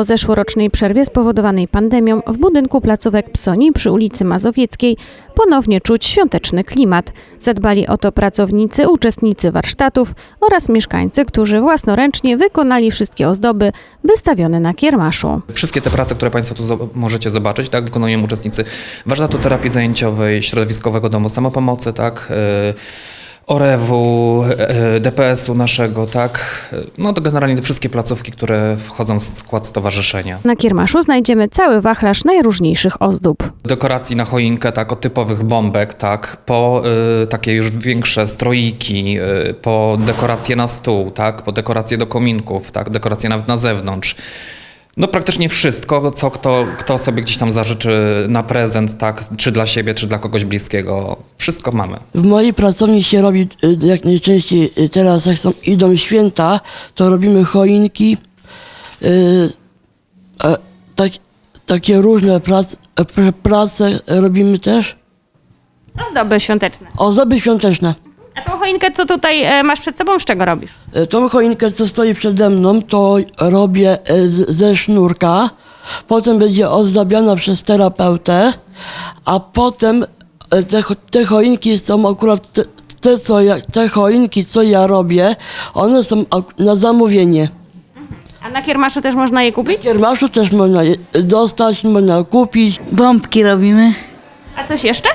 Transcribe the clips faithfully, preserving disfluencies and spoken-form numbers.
Po zeszłorocznej przerwie spowodowanej pandemią w budynku placówek Psoni przy ulicy Mazowieckiej ponownie czuć świąteczny klimat. Zadbali o to pracownicy, uczestnicy warsztatów oraz mieszkańcy, którzy własnoręcznie wykonali wszystkie ozdoby wystawione na kiermaszu. Wszystkie te prace, które Państwo tu zo- możecie zobaczyć, tak, wykonują uczestnicy warsztatu terapii zajęciowej, środowiskowego domu samopomocy, tak, yy, O R E W-u, D P S-u naszego, tak, no to generalnie te wszystkie placówki, które wchodzą w skład stowarzyszenia. Na kiermaszu znajdziemy cały wachlarz najróżniejszych ozdób. Dekoracji na choinkę, tak, od typowych bombek, tak, po y, takie już większe stroiki, y, po dekoracje na stół, tak, po dekoracje do kominków, tak, dekoracje nawet na zewnątrz. No praktycznie wszystko, co kto, kto sobie gdzieś tam zażyczy na prezent, tak, czy dla siebie, czy dla kogoś bliskiego, wszystko mamy. W mojej pracowni się robi y, jak najczęściej y, teraz, jak są, idą święta, to robimy choinki, y, a, tak, takie różne prace, prace robimy też, Ozdoby świąteczne. ozdoby świąteczne. A tą choinkę, co tutaj e, masz przed sobą, z czego robisz? Y, Tą choinkę, co stoi przede mną, to robię y, z, ze sznurka, potem będzie ozdabiana przez terapeutę, a potem y, te, cho- te choinki są akurat te, te, co ja, te choinki, co ja robię, one są ak- na zamówienie. A na kiermaszu też można je kupić? W kiermaszu też można je dostać, można kupić. Bombki robimy. A coś jeszcze?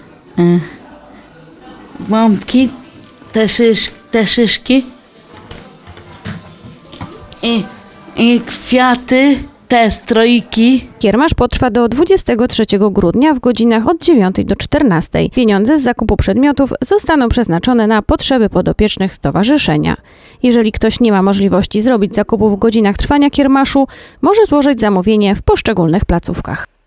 Bombki, te, szysz, te szyszki. I, I kwiaty, te stroiki. Kiermasz potrwa do dwudziestego trzeciego grudnia w godzinach od dziewiątej do czternastej. Pieniądze z zakupu przedmiotów zostaną przeznaczone na potrzeby podopiecznych stowarzyszenia. Jeżeli ktoś nie ma możliwości zrobić zakupu w godzinach trwania kiermaszu, może złożyć zamówienie w poszczególnych placówkach.